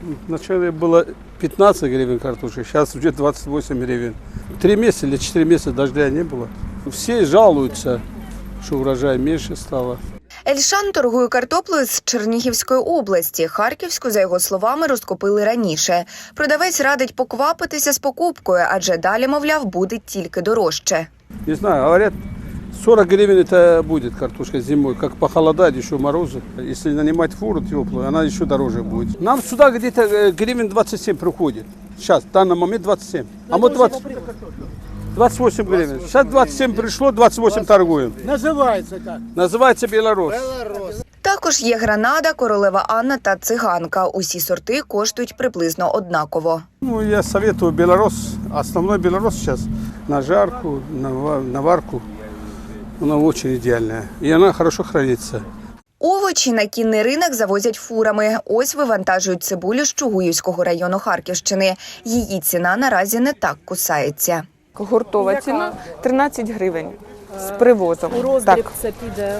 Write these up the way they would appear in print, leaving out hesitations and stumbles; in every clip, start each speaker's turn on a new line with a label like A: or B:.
A: Вначале было 15 гривен картошка, сейчас уже 28 гривен. 3 месяца или 4 месяца дождя не было. Все жалуются, что урожай меньше стало.
B: Ельшан торгує картоплею з Чернігівської області. Харківську, за його словами, розкупили раніше. Продавець радить поквапитися з покупкою, адже далі, мовляв, буде тільки дорожче.
A: Не знаю, говорят, 40 гривен это будет картошка зимой. Как похолодает, еще морозы. Если нанимать фуру теплую, она еще дороже будет. Нам сюда где-то гривен 27 приходит. Сейчас, в данный момент 27. А мы 28 гривен. Сейчас 27 пришло, 28 торгуем.
C: Називається як?
A: Называется Белорус.
B: Також є гранада, королева Анна та циганка. Усі сорти коштують приблизно однаково.
A: Ну, я советую Белорус. Основной Белорус сейчас на жарку, на варку. Она очень идеальная. И она хорошо хранится.
B: Овочі на кінний ринок завозять фурами. Ось вивантажують цибулю з Чугуївського району Харківщини. Її ціна наразі не так кусається.
D: Гуртова ціна 13 гривень з привозом.
E: У роздріб це піде?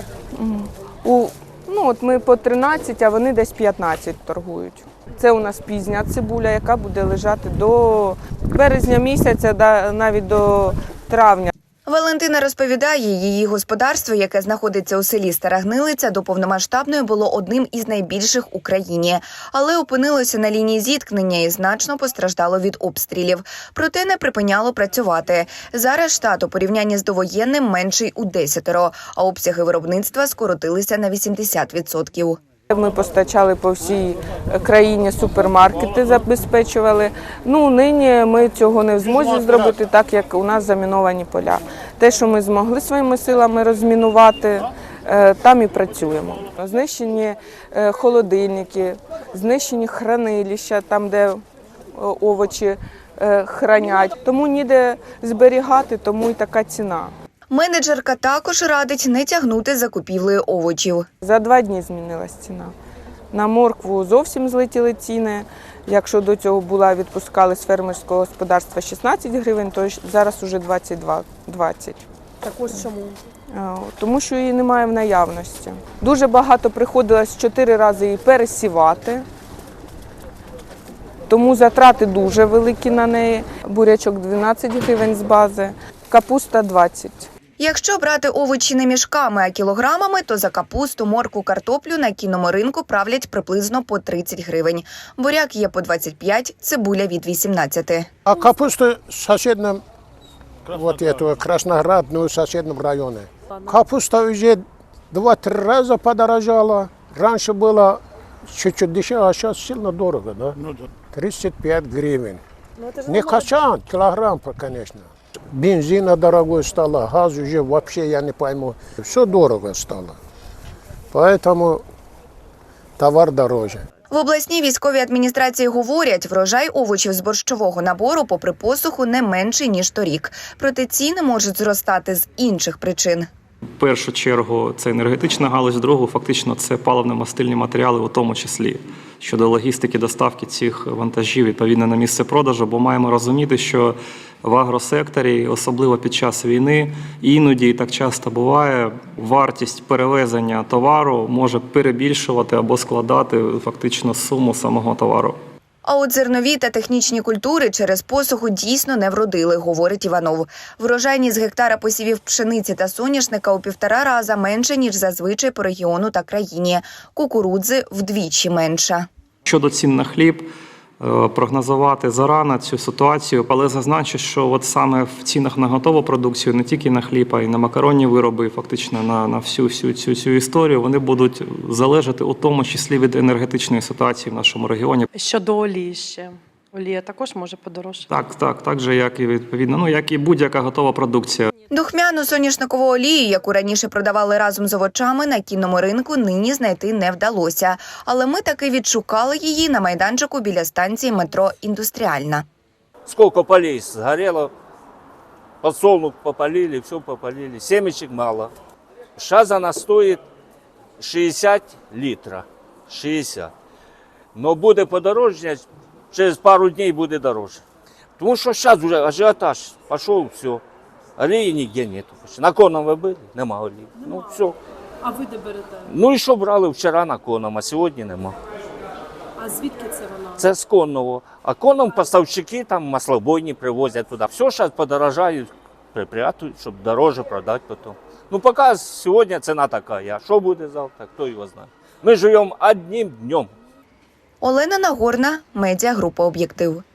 D: От ми по 13, а вони десь 15 торгують. Це у нас пізня цибуля, яка буде лежати до березня місяця, навіть до травня.
B: Валентина розповідає, її господарство, яке знаходиться у селі Стара Гнилиця, до повномасштабної було одним із найбільших у країні. Але опинилося на лінії зіткнення і значно постраждало від обстрілів. Проте не припиняло працювати. Зараз штат у порівнянні з довоєнним менший у 10, а обсяги виробництва скоротилися на 80%.
D: Ми постачали по всій країні, супермаркети забезпечували. Нині ми цього не в змозі зробити, так як у нас заміновані поля. Те, що ми змогли своїми силами розмінувати, там і працюємо. Знищені холодильники, знищені хранилища, там, де овочі хранять. Тому ніде зберігати, тому і така ціна.
B: Менеджерка також радить не тягнути з закупівлею овочів.
D: За 2 дні змінилась ціна. На моркву зовсім злетіли ціни. Якщо до цього відпускали з фермерського господарства 16 гривень, то зараз уже 22-20.
E: Також чому?
D: Тому що її немає в наявності. Дуже багато приходилось 4 рази її пересівати. Тому затрати дуже великі на неї. Бурячок 12 гривень з бази, капуста 20.
B: Якщо брати овочі не мішками, а кілограмами, то за капусту, моркву, картоплю на кінному ринку правлять приблизно по 30 гривень. Буряк є по 25, цибуля від 18.
C: А капуста в соседнем, Красноград, в соседнем районе. Капуста уже 2-3 раза подорожала. Раньше было чуть-чуть дешевле, а сейчас сильно дорого, да? 35 гривен. Не качан, килограмм, конечно. Бензина дорогой стало, газ уже вообще я не пойму. Все дорого стало. Поэтому товар дороже.
B: В обласній військовій адміністрації говорять, врожай овочів з борщового набору попри посуху не менший, ніж торік. Проте ціни можуть зростати з інших причин.
F: В першу чергу це енергетична галузь, в другу фактично це паливно-мастильні матеріали у тому числі. Щодо логістики доставки цих вантажів відповідно на місце продажу, бо маємо розуміти, що в агросекторі, особливо під час війни, іноді і так часто буває, вартість перевезення товару може перебільшувати або складати фактично суму самого товару.
B: А от зернові та технічні культури через посуху дійсно не вродили, говорить Іванов. Врожайність з гектара посівів пшениці та соняшника у 1,5 рази менше, ніж зазвичай по регіону та країні. Кукурудзи вдвічі менша.
F: Щодо цін на хліб, прогнозувати зарано цю ситуацію, але зазначу, що от саме в цінах на готову продукцію, не тільки на хліб, а й на макаронні вироби, фактично на всю цю історію, вони будуть залежати у тому числі від енергетичної ситуації в нашому регіоні.
E: Щодо олії ще. Олія також може подорожчати?
F: Так же, як і відповідно, як і будь-яка готова продукція.
B: Духмяну соняшникову олію, яку раніше продавали разом з овочами, на кінному ринку нині знайти не вдалося. Але ми таки відшукали її на майданчику біля станції метро «Індустріальна».
G: Сколько полей сгорело, подсолнух попалили, все попалили, семечек мало. Сейчас она стоит 60 литров, 60. Но буде подорожче, через пару дней буде дороже. Тому що зараз вже ажіотаж пішов, все. Олії ніде нету. На конном ви були? Нема олії. Ну, все.
E: А ви де берете?
G: Ну і що брали вчора на конном, а сьогодні нема.
E: А звідки це вона?
G: Це з конного. А конном поставщики там маслобойні привозять туди. Все зараз подорожають, припрятують, щоб дороже продати потім. Ну, поки сьогодні ціна така. А що буде завтра, хто його знає. Ми живемо одним днем.
B: Олена Нагорна, медіагрупа «Об'єктив».